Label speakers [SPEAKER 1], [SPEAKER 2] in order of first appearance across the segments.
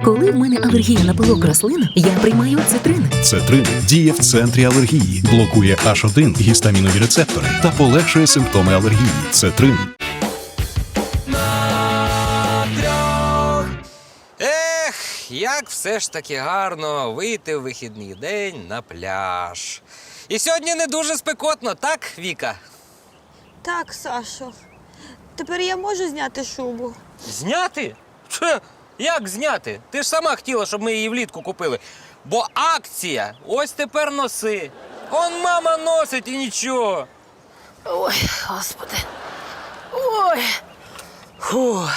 [SPEAKER 1] Коли в мене алергія на пилок рослин, я приймаю цитрин.
[SPEAKER 2] Цетрин діє в центрі алергії, блокує H1 гістамінові рецептори та полегшує симптоми алергії. Цетрин.
[SPEAKER 3] Як все ж таки гарно вийти в вихідний день на пляж. І сьогодні не дуже спекотно, так, Віка?
[SPEAKER 4] Так, Сашо. Тепер я можу зняти шубу?
[SPEAKER 3] Зняти? Як зняти? Ти ж сама хотіла, щоб ми її влітку купили. Бо акція, ось тепер носи. Он мама носить і нічого.
[SPEAKER 5] Ой, Господи. Ой. Фух.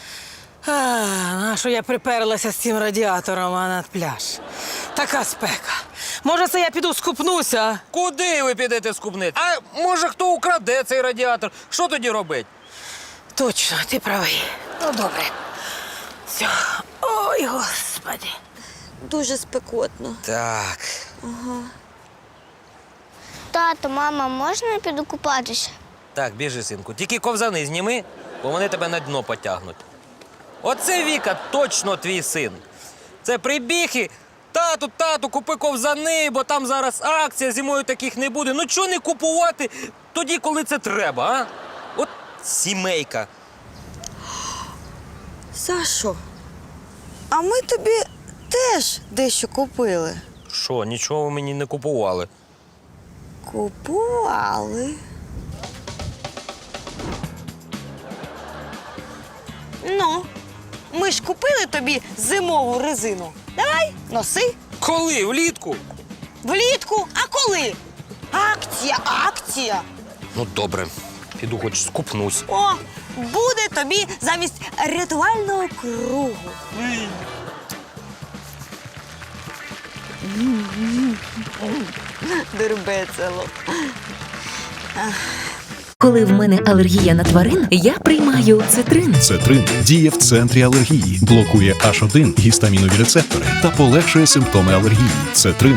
[SPEAKER 5] Нащо я приперлася з цим радіатором над пляж? Така спека. Може, це я піду скупнуся? А?
[SPEAKER 3] Куди ви підете скупнити? А може хто украде цей радіатор? Що тоді робить?
[SPEAKER 5] Точно, ти правий. Ну, добре. Все. Ой, Господи.
[SPEAKER 4] Дуже спекотно.
[SPEAKER 3] Так.
[SPEAKER 6] Тато, мама, можна я піду купатися?
[SPEAKER 3] Так, біжи, синку. Тільки ковзани зніми, бо вони тебе на дно потягнуть. Оце, Віка, точно твій син. Це прибіг і тату, купи ковзани, бо там зараз акція, зимою таких не буде. Ну чого не купувати тоді, коли це треба, а? От сімейка.
[SPEAKER 4] Сашо, а ми тобі теж дещо купили.
[SPEAKER 3] Що, нічого ви мені не купували?
[SPEAKER 4] Купували. Ну, ми ж купили тобі зимову резину. Давай, носи.
[SPEAKER 3] Коли? Влітку?
[SPEAKER 4] Влітку. А коли? Акція.
[SPEAKER 3] Ну, добре. Піду хоч скупнусь.
[SPEAKER 4] О, буде тобі замість рятувального кругу. Дурбецело.
[SPEAKER 1] Коли в мене алергія на тварин, я приймаю цитрин.
[SPEAKER 2] Цетрин діє в центрі алергії, блокує H1 гістамінові рецептори та полегшує симптоми алергії. Цетрин.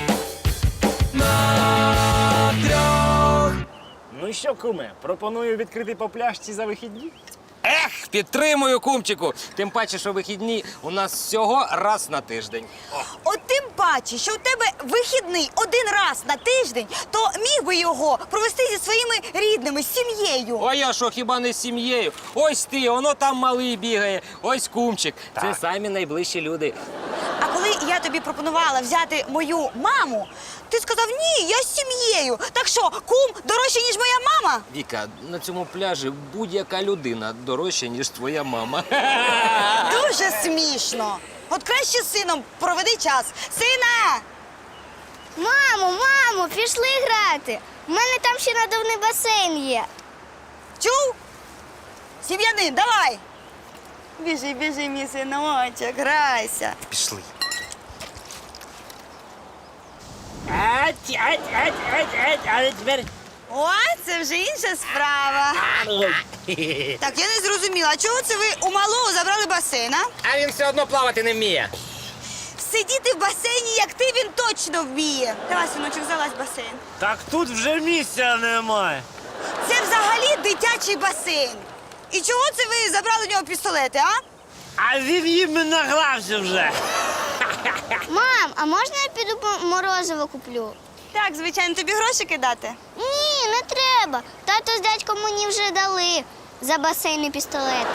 [SPEAKER 7] Ну що, куме, пропоную відкрити по пляшці за вихідні?
[SPEAKER 3] Ех, підтримую, кумчику. Тим паче, що вихідні у нас всього раз на тиждень.
[SPEAKER 4] От тим паче, що у тебе вихідний один раз на тиждень, то міг би його провести зі своїми рідними, з сім'єю.
[SPEAKER 3] А я що, хіба не з сім'єю? Ось ти, воно там малий бігає, ось кумчик. Це самі найближчі люди.
[SPEAKER 4] А коли я тобі пропонувала взяти мою маму, ти сказав, ні, я з сім'єю. Так що, кум дорожче, ніж моя мама?
[SPEAKER 3] Віка, на цьому пляжі будь-яка людина дорожча, ніж твоя мама.
[SPEAKER 4] Дуже смішно. От краще з сином проведи час. Сина!
[SPEAKER 6] Мамо, пішли грати. У мене там ще надувний басейн є.
[SPEAKER 4] Чув? Сім'янин, давай! Біжи, мій синочок, грайся.
[SPEAKER 3] Пішли.
[SPEAKER 7] Але тепер...
[SPEAKER 4] О, це вже інша справа. Так, я не зрозуміла, а чого це ви у малого забрали басейн, а?
[SPEAKER 3] А він все одно плавати не вміє.
[SPEAKER 4] Сидіти в басейні, як ти, він точно вміє. Давай, синочок, залазь в басейн.
[SPEAKER 7] Так тут вже місця немає.
[SPEAKER 4] Це взагалі дитячий басейн. І чого це ви забрали у нього пістолети, а?
[SPEAKER 7] А він їм награвся вже.
[SPEAKER 6] Мам, а можна я піду по морозиво куплю?
[SPEAKER 4] Так, звичайно, тобі гроші кидати.
[SPEAKER 6] Ні, не треба. Тато з дядьком мені вже дали за басейн і пістолет.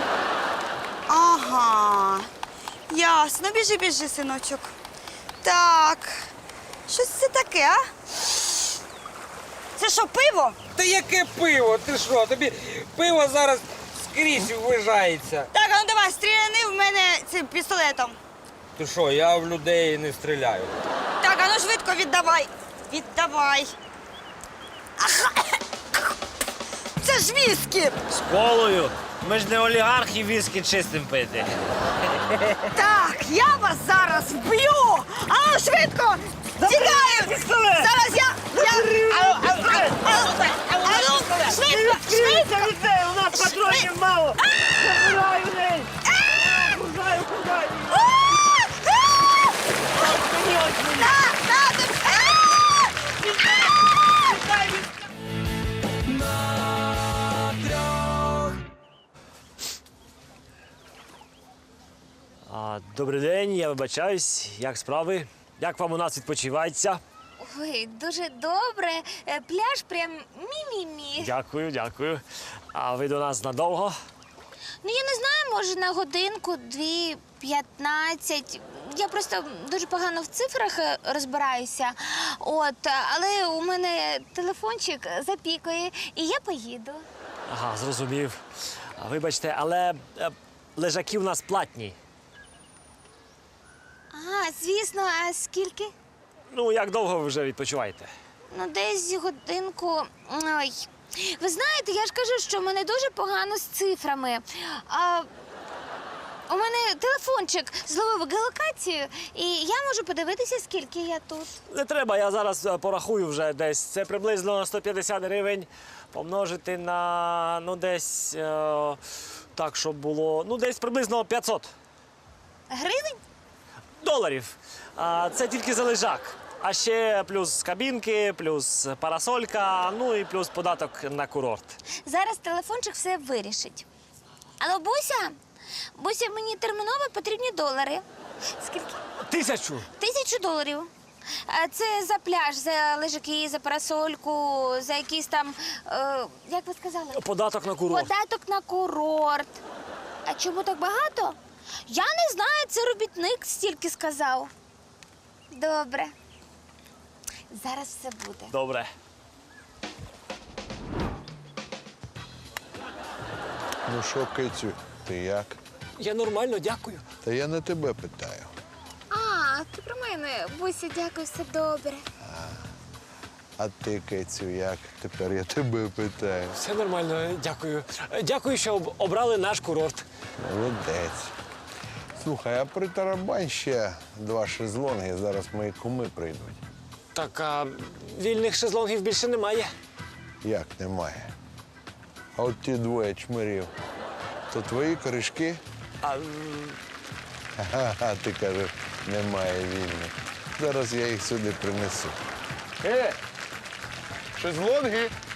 [SPEAKER 4] Ага, ясно. Біжи, синочок. Так, щось це таке, а? Це що, пиво?
[SPEAKER 3] Та яке пиво? Ти що? Тобі пиво зараз скрізь ввижається.
[SPEAKER 4] Так, а ну давай, стріляни в мене цим пістолетом.
[SPEAKER 3] Ти що, я в людей не стріляю.
[SPEAKER 4] Так, а ну швидко віддавай. Віддавай. Це ж віскі.
[SPEAKER 7] З колою. Ми ж не олігархи віскі чистим пити.
[SPEAKER 4] Так, я вас зараз вб'ю. А ну швидко. Тікаю. Зараз я... Швидко.
[SPEAKER 7] У нас патронів мало. Забираю неї. Кудаю. Добрий день, я вибачаюсь. Як справи? Як вам у нас відпочивається?
[SPEAKER 8] Ой, дуже добре. Пляж прям мі-мі-мі.
[SPEAKER 7] Дякую, дякую. А ви до нас надовго?
[SPEAKER 8] Ну, я не знаю, може, на годинку, 2, 15. Я просто дуже погано в цифрах розбираюся. Але у мене телефончик запікає, і я поїду.
[SPEAKER 7] Ага, зрозумів. Вибачте, але лежаки у нас платні.
[SPEAKER 8] Звісно, а скільки?
[SPEAKER 7] Ну, як довго ви вже відпочиваєте?
[SPEAKER 8] Ну, десь годинку. Ой. Ви знаєте, я ж кажу, що в мене дуже погано з цифрами. У мене телефончик зловив геолокацію, і я можу подивитися, скільки я тут.
[SPEAKER 7] Не треба, я зараз порахую вже десь. Це приблизно 150 гривень помножити на, десь, так, щоб було, десь приблизно 500
[SPEAKER 8] Гривень?
[SPEAKER 7] доларів. Це тільки за лежак. А ще плюс кабінки, плюс парасолька, і плюс податок на курорт.
[SPEAKER 8] Зараз телефончик все вирішить. Алло, Буся? Буся, мені терміново потрібні долари. Скільки?
[SPEAKER 7] 1000!
[SPEAKER 8] 1000 доларів. Це за пляж, за лежаки, за парасольку, за якісь там, як ви сказали?
[SPEAKER 7] Податок на курорт.
[SPEAKER 8] Податок на курорт. А чому так багато? Я не знаю, це робітник стільки сказав. Добре. Зараз все буде.
[SPEAKER 7] Добре.
[SPEAKER 9] Ну що, Кицю, ти як?
[SPEAKER 7] Я нормально, дякую.
[SPEAKER 9] Та я не тебе питаю.
[SPEAKER 8] Ти про мене. Буся, дякую, все добре.
[SPEAKER 9] А ти, Кицю, як? Тепер я тебе питаю.
[SPEAKER 7] Все нормально, дякую. Дякую, що обрали наш курорт.
[SPEAKER 9] Молодець. Слухай, а притарабань ще 2 шезлонги, зараз мої куми прийдуть.
[SPEAKER 7] Так, а вільних шезлонгів більше немає.
[SPEAKER 9] Як немає? А от ті 2 чмирів, то твої корішки? Ага, ти кажеш, немає вільних. Зараз я їх сюди принесу. Шезлонги!